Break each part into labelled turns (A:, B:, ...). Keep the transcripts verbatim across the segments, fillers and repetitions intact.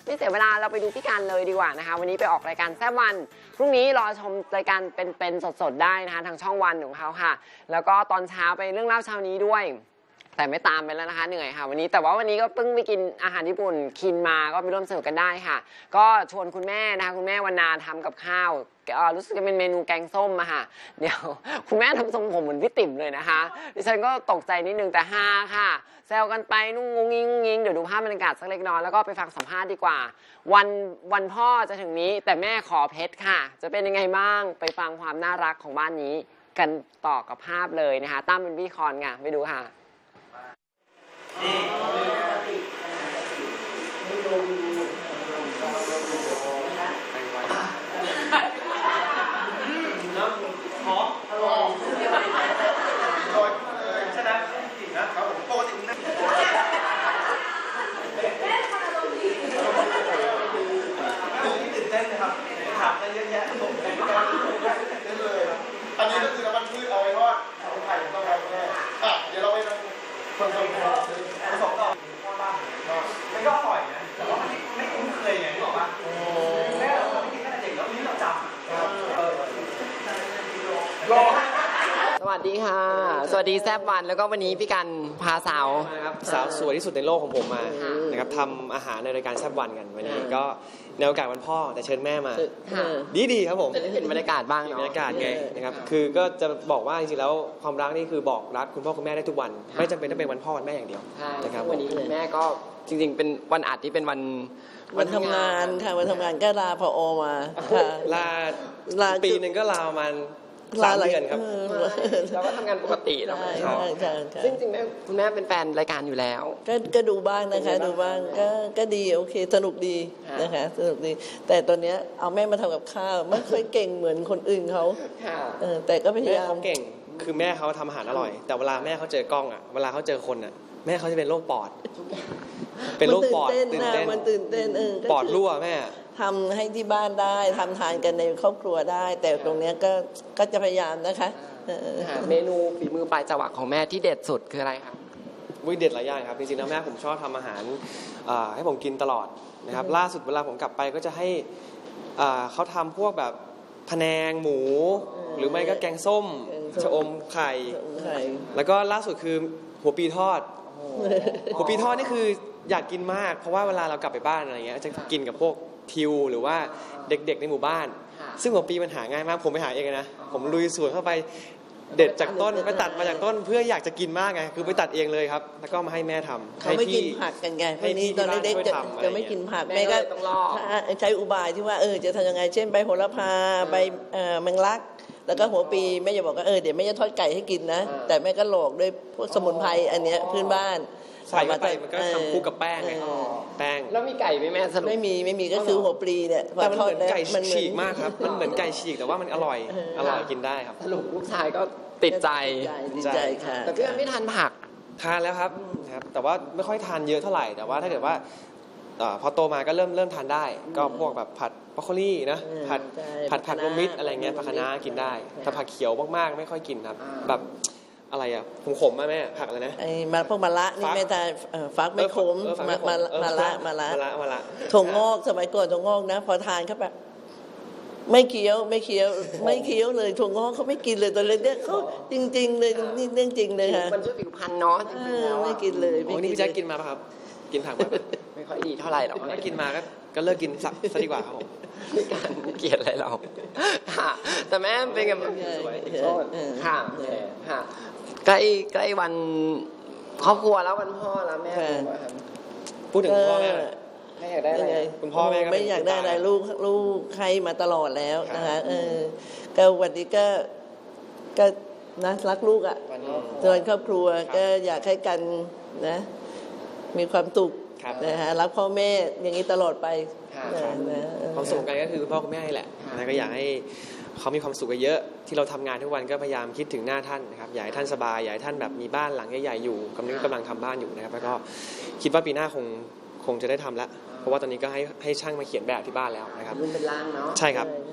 A: ไม่เสียเวลาเราไปดูพี่การเลยดีกว่านะคะวันนี้ไปออกรายการแซ่บวันพรุ่งนี้รอชมรายการเป็นๆสดๆได้นะคะทางช่องวันของเขาค่ะแล้วก็ตอนเช้าไปเรื่องเล่าเช้านี้ด้วยแต่ไม่ตามไปแล้วนะคะเหนื่อยค่ะวันนี้แต่ว่าวันนี้ก็เพิ่งไปกินอาหารญี่ปุ่นคินมาก็ไปร่วมสนุกกันได้ค่ะก็ชวนคุณแม่นะคะคุณแม่วรรณาทำกับข้าวรู้สึกจะเป็นเมนูแกงส้มอะค่ะเดี๋ยวคุณแม่ทำทรงผมเหมือนพี่ติ๋มเลยนะคะดิฉันก็ตกใจนิดนึงแต่ฮาค่ะแซวกันไปนุ่งงงงิงงงิงเดี๋ยวดูภาพบรรยากาศสักเล็กน้อยแล้วก็ไปฟังสัมภาษณ์ดีกว่าวันวันพ่อจะถึงนี้แต่แม่ขอเพชรค่ะจะเป็นยังไงบ้างไปฟังความน่ารักของบ้านนี้กันต่อกับภาพเลยนะคะตั้มเป็นพี่คอนค่ะไปดูค่ะ
B: อันนี้ก็คือน้ำมันพืชเอาไว้ทอดเอาไข่ต้องเอาแน่อ่ะเดี๋ยวเราไปทำคนคนผสมต่อมันก็อร่อยนะแต่ว่ามันไม่คุ้นเคยไงที่บอกว่าแม่เราไม่กินตั้งแต่เด็กแล้วนี่เราจำรอ
A: สวัสดีค่ะสวัสดีแซบวันแล้วก็วันนี้พี่กันพาสาว
C: นะครับสาวสวยที่สุดในโลกของผมมานะครับทำอาหารในรายการแซบวันกันวันนี้ก็ในโอกาสวันพ่อแต่เชิญแม่มาดีดีครับผม
A: จะได้เห็นบรรยากาศบ้างเนาะ
C: บรรยากาศไงนะครับคือก็จะบอกว่าจริงๆแล้วความรักนี่คือบอกรักคุณพ่อคุณแม่ได้ทุกวันไม่จำเป็นต้องเป็นวันพ่อวันแม่อย่างเดียว
A: นะครับวันนี้แม่ก็จริงๆเป็นวันอัดที่เป็นวัน
D: วันทำงานค่ะวันทำงานก็ลาพอมาค่ะ
C: ลาลาปีหนึ่งก็ลาประมาณสามเดือนครับ
A: แล้วก็ทำงานปกติแล้วใช่ใช่ซึ่งจริงๆแม่คุณแม่เป็นแฟนรายการอยู่แล้ว
D: ก็ก็ดูบ้างนะคะดูบ้างก็ก็ดีโอเคสนุกดีนะคะสนุกดีแต่ตอนเนี้ยเอาแม่มาทำกับข้าวไม่ค่อยเก่งเหมือนคนอื่นเขาแต่ก็พยายาม
C: เก่งคือแม่เขาทำอาหารอร่อยแต่เวลาแม่เขาเจอกล้องอ่ะเวลาเขาเจอคนอ่ะแม่เขาจะเป็นโรคปอดเป็นโรคปอด
D: ตื่นเต้นมันตื่นเต้นเออ
C: ปอดรั่วแม่
D: ทำให้ที่บ้านได้ทำทานกันในครอบครัวได้แต่ตรงนี้ก็ก็จะพยายามนะคะ
A: เมนูฝีมือปลายจวักของแม่ที่เด็ดสุดคืออะไรครับ
C: วิเด็ดหลายอย่างครับจริงๆแล้วแม่ผมชอบทำอาหารให้ผมกินตลอดนะครับล่าสุดเวลาผมกลับไปก็จะให้เขาทำพวกแบบพะแนงหมูหรือไม่ก็แกงส้มชะอมไข่แล้วก็ล่าสุดคือหัวปีทอดหัวปีทอดนี่คืออยากกินมากเพราะว่าเวลาเรากลับไปบ้านอะไรเงี้ยจะกินกับพวกทิวหรือว่าเด็กๆในหมู่บ้านซึ่งหัวปีมันหาง่ายมากผมไปหาเองนะผมลุยสวนเข้าไปเด็ดจากต้นไปตัดมาจากต้นเพื่ออยากจะกินมากไงคือไปตัดเองเลยครับแล้วก็มาให้แม่ทำ
D: เขาไม่กินผักกันไงพวกนี้ตอนเด็กๆจะไม่กินผักแม่ก็ใช้อุบายที่ว่าเออจะทำยังไงเช่นใบโหระพาใบแมงลักแล้วก็หัวปีแม่จะบอกว่าเออเดี๋ยวแม่จะทอดไก่ให้กินนะแต่แม่ก็หลอกด้วยพวกสมุนไพรอันเนี้ยพื้นบ้าน
C: ใส่ไปมันก็ทำคู่กับแป้งไงแป้ง
A: แล้วมีไก่ไหมแม่สรุป
D: ไม่มีไม่มีก็คือหัวปลีเนี่ย
C: แต่มันเหมือนไก่ฉีกมากครับมันเหมือนไก่ฉีกแต่ว่ามันอร่อยอร่อยกินได้ครับ
A: สรุปลูกชายก็ติดใจ
D: ติดใจค่ะ
A: แต่พี่ไม่ทานผัก
C: ทานแล้วครับครับแต่ว่าไม่ค่อยทานเยอะเท่าไหร่แต่ว่าถ้าเกิดว่าพอโตมาก็เริ่มเริ่มทานได้ก็พวกแบบผัดบรอกโคลีนะผัดผัดผักรวมมิตรอะไรเงี้ยผักคะน้ากินได้แต่ผักเขียวมากๆไม่ค่อยกินครับแบบอะไรอ่ะผมขมมากแม่ผักอะไรนะ
D: ไอ้มาพวกมะละนี่ไม่ทานฟักไม่ขมมามามาละมาละ
C: มาละ
D: ถั่วงอกสมัยก่อนถั่วงอกนะพอทานเข้าไปไม่เคี้ยวไม่เคี้ยวไม่เคี้ยวเลยถั่วงอกเขาไม่กินเลยตอนเล็กๆเขาจริงๆเลยนี่เรื่องจริงเลยค่ะ
A: มันช่วยผิวพรรณเนาะจริงๆแล้ว
D: ไม่กินเลย
C: โอ้นี่พี่แจ๊คกินมาป่ะครับกินผักมา
A: ไม่ค่อยดีเท่าไหร่หรอก
C: ถ้ากินมาก็ก็เลิกกินสักซะดีกว่าครับผม
A: ไม่การเกลียดอะไรเราค่ะแต่แม่เป็นไงสวยค่ะค่ะใกล้ใกล้วันครอบครัวแล้ววันพ่อแล้วแม่
C: พูดถึงพ่อแม่
A: ไม่อยากได้อะไร
C: คุณพ่อแม่ก็
D: ไม่อยากได้อะไรลูกลูกใครมาตลอดแล้วนะคะเออก็วันนี้ก็ก็นะรักลูกอ่ะส่วนครอบครัวก็อยากให้กันนะมีความสุขนะฮะรักพ่อแม่อย่างนี้ตลอดไป
C: ความสุขกันก็คือพ่อคุณแม่นี่แหละนะก็อยากให้เขามีความสุขกันเยอะที่เราทำงานทุกวันก็พยายามคิดถึงหน้าท่านนะครับอยากให้ท่านสบายอยากให้ท่านแบบมีบ้านหลังใหญ่ๆอยู่กำลังกำลังทำบ้านอยู่นะครับแล้วก็คิดว่าปีหน้าคงคงจะได้ทำแล้วเพราะว่าตอนนี้ก็ให้ให้ช่างมาเขียนแบบที่บ้านแล้วนะครับ
A: รุ่นเป็นร่างเนาะ
C: ใช่ครับ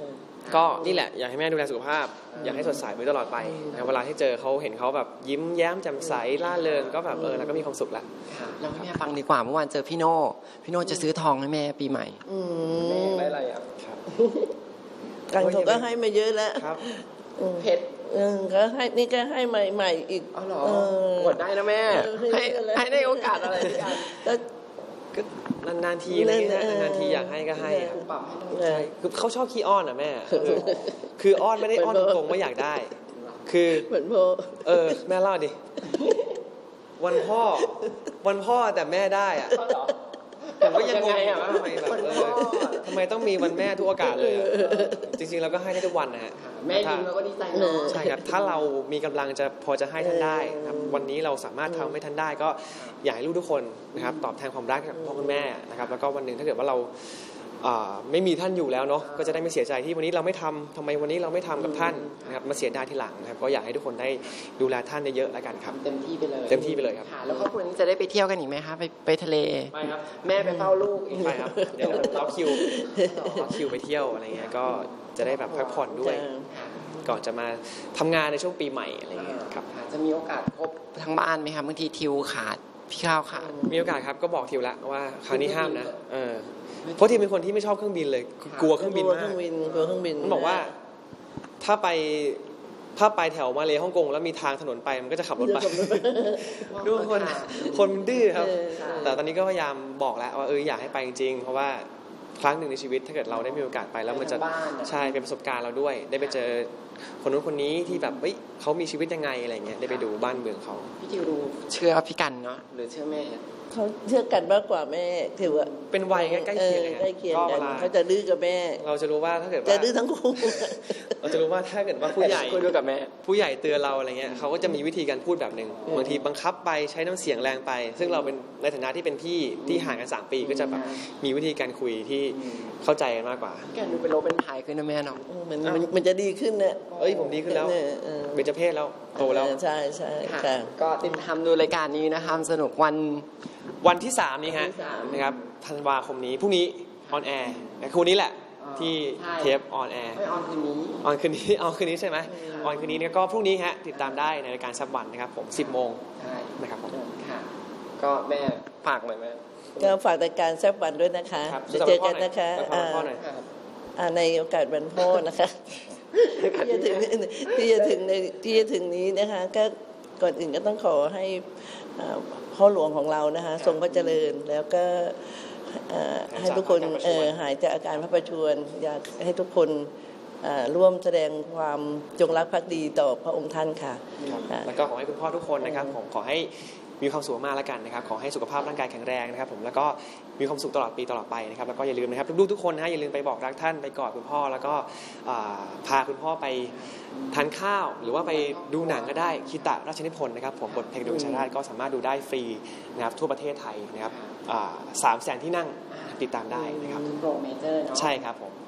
C: ก็นี่แหละอยากให้แม่ดูแลสุขภาพอยากให้สดใสไว้ตลอดไปนะเวลาที่เจอเขาเห็นเขาแบบยิ้มแย้มแจ่มใสล่าเริงก็แบบเออแล้วก็มีความสุขละ
A: เราให้แม่ฟังดีกว่าเมื่อวานเจอพี่โน่พี่โน่จะซื้อทองให้แม่ปีใหม่
D: อืม
C: แม่ได้อะไรอ่ะครับ
D: กันเขาก็ให้มาเยอะแล้ว
C: ครับ
D: อืม
A: เพชร
D: เออก็ให้นี่ก็ให้ใหม่ๆอีก
A: อ๋อเหรอ
D: เออ
A: หมดได้นะแม่
D: เออให้
A: ให้
D: เยอะแล้ว
A: ให้ได้โอกาสอะไรด้วยกัน
D: ก็
C: ก็นานๆทีอะไรเงี้ย
D: เออ
C: นานๆทีอยากให้ก็ให้ครับ
A: ปรับให้น้อง
D: เออ
C: ใช่คือเขาชอบขี้อ้อนอ่ะแม่คือคืออ้อนไม่ได้อ้อนตรงๆว่าอยากได้ คือ
D: เหมือนโพ
C: เออแม่เล่าดิวันพ่อวันพ่อแต่แม่ได้อ่ะผมก็ยังงงอยู่ว่าทำไมแบบเออทำไมต้องมีวันแม่ทุกโอกาสเลยอะจริงๆเราก็ให้ได้ทุกวันนะฮะ
A: แม่ยิ้มแล้วก็ดีใจเนาะ
C: ใช่ครับถ้าเรามีกำลังจะพอจะให้ท่านได้ครับวันนี้เราสามารถทำให้ท่านได้ก็อยากให้ลูกทุกคนนะครับตอบแทนความรักจากพ่อคุณแม่นะครับแล้วก็วันหนึ่งถ้าเกิดว่าเราอ่าไม่มีท่านอยู่แล้วเนาะก็จะได้ไม่เสียใจที่วันนี้เราไม่ทำทำไมวันนี้เราไม่ทำกับท่านนะครับมาเสียดายทีหลังนะครับก็อยากให้ทุกคนได้ดูแลท่านเยอะๆแล้วกันครับ
A: เต็มที่ไปเลย
C: เต็มที่ไปเลยครับ
A: ค่ะแล้วครอบครัวนี้จะได้ไปเที่ยวกันอีกไหมคะไปไปทะเล
C: ไปครับ
A: แม่ไปเฝ้าลูกอีก
C: ไปครับเดี๋ยวล็อกคิวล็อกคิวไปเที่ยวอะไรเงี้ยก็จะได้แบบพักผ่อนด้วย ก่อนจะมาทำงานในช่วงปีใหม่อะไรเงี้ยครับ
A: ค่ะจะมีโอกาสพบทั้งบ้านไหมคะบางทีทิวขาดพี่ข้าวขาด
C: มีโอกาสครับก็บอกทิวละว่าครั้งนี้ห้ามนะเออเพราะทิวเป็นคนที่ไม่ชอบเครื่องบินเลยกลัวเครื่องบิน
D: กลัว
C: มา
D: เครื่
C: ก
D: องบินกลัวเครื่องบิน
C: มันบอกว่าถ้าไปถ้าไปแถวมาเลฮ่องกงแล้วมีทางถนนไปมันก็จะขับรถไปดูคนคนมันดื้อครับ แต่ตอนนี้ก็พยายามบอกแล้วว่าเอออยากให้ไปจริงๆเพราะว่าครั้งหนึ่งในชีวิตถ้าเกิดเราได้มีโอกาสไปแล้วมันจะใช่เป็นประสบการณ์เราด้วย ได้ไปเจอคนนู้นคนนี้ที่แบบเฮ้ยเขามีชีวิตยังไงอะไรเงี้ยได้ไปดูบ้านเมืองเขา
A: พี่ทิวดูเชื่อพี่กันเนาะหรือเชื่อแม่
D: เขาเชื่อกันมากกว่าแม่ถือว่า
C: เป็นวัยใกล้เคียง
D: ออใกล้เคียง
C: ก็
D: กั
C: เวน ลา
D: เขาจะดื้อกับแม่
C: เราจะรู้ว่าถ้าเกิด
D: จะ
C: ว่า
D: ดื้อทั้งคู่
C: เราจะรู้ว่าถ้าเกิดว่าผู้ใหญ่
A: คุยด้วยกับแม่
C: ผู้ใหญ่เตือนเราอะไรเงี้ยเขาก็จะมีวิธีการพูดแบบหนึ่งบางทีบังคับไปใช้น้ำเสียงแรงไป ซึ่งเราเป็นในฐานะที่เป็นพี่ที่ห่างกันสามปีก็จะแบบมีวิธีการคุยที่เข้าใจกันมากกว่า
A: พี่กันดูเป็นโลเป็นพายขึ้นนะแม่เนาะ
D: มันมันมันจะดีขึ้นเนี่ย
C: เอ้ยผมดีขึ้นแล้ว
D: เออเออ
C: เบญจเพศแล้วโตแล้ว
D: เออใช่ใช่
A: ค่ะ
D: ค่ะ
A: ก็ติดตามดูรายการนี้นะคะสนุกวัน
C: วันที่สามนี้ฮะ
A: วันที่สาม
C: นะครับธันวาคมนี้พรุ่งนี้ออนแอร์คืนนี้แหละ
A: อ๋อ
C: ที่
A: ใช่
C: เทปออนแอร์
A: ไม่ออนคืนนี้
C: ออนคืนนี้ ออนคืนนี้ใช่ไหมออนคืนนี้เนี่ยก็พรุ่งนี้ฮะติดตามได้ในรายการซับวันนะครับผมสิบโมง
A: ใช่
C: นะครับผม
A: ค่ะ ก็แม่ฝากหน่อยแม่
D: ก็ฝากรายการแซบวันด้วยนะคะ
C: ครับ
D: จะเจอกันนะคะ
C: สำหรับพ่อหน่อย
A: ค่ะ
D: อ่าในโอกาสวันพ่อนะคะที่จะถึงที่จะถึงในที่จะถึงนี้นะคะก็ก่อนอื่นก็ต้องขอให้อ่าพ่อหลวงของเรานะคะทรงพระเจริญแล้วก็อ่าให้ทุกคนเอ่อหายจากอาการพระประชวรอยากให้ทุกคนอ่าร่วมแสดงความจงรักภักดีต่อพระองค์ท่านค่ะ
C: ครับ
D: ค่ะ
C: แล้วก็ขอให้คุณพ่อทุกคนนะครับผมขอให้มีความสุขมากแล้วกันนะครับขอให้สุขภาพร่างกายแข็งแรงนะครับผมแล้วก็มีความสุขตลอดปีตลอดไปนะครับแล้วก็อย่าลืมนะครับลูกๆทุกคนนะฮะอย่าลืมไปบอกรักท่านไปกอดคุณพ่อแล้วก็อ่าพาคุณพ่อไปทานข้าว หรือว่าไปดูหนังก็ได้คิตะราชนิพนธ์นะครับผมบทเพลงดวงชาติก็สามารถดูได้ฟรีนะครับทั่วประเทศไทยนะครับสามแสนที่นั่งติดตามได้นะครับ
A: โปรเมเจอร์เนาะ
C: ใช่ครับผม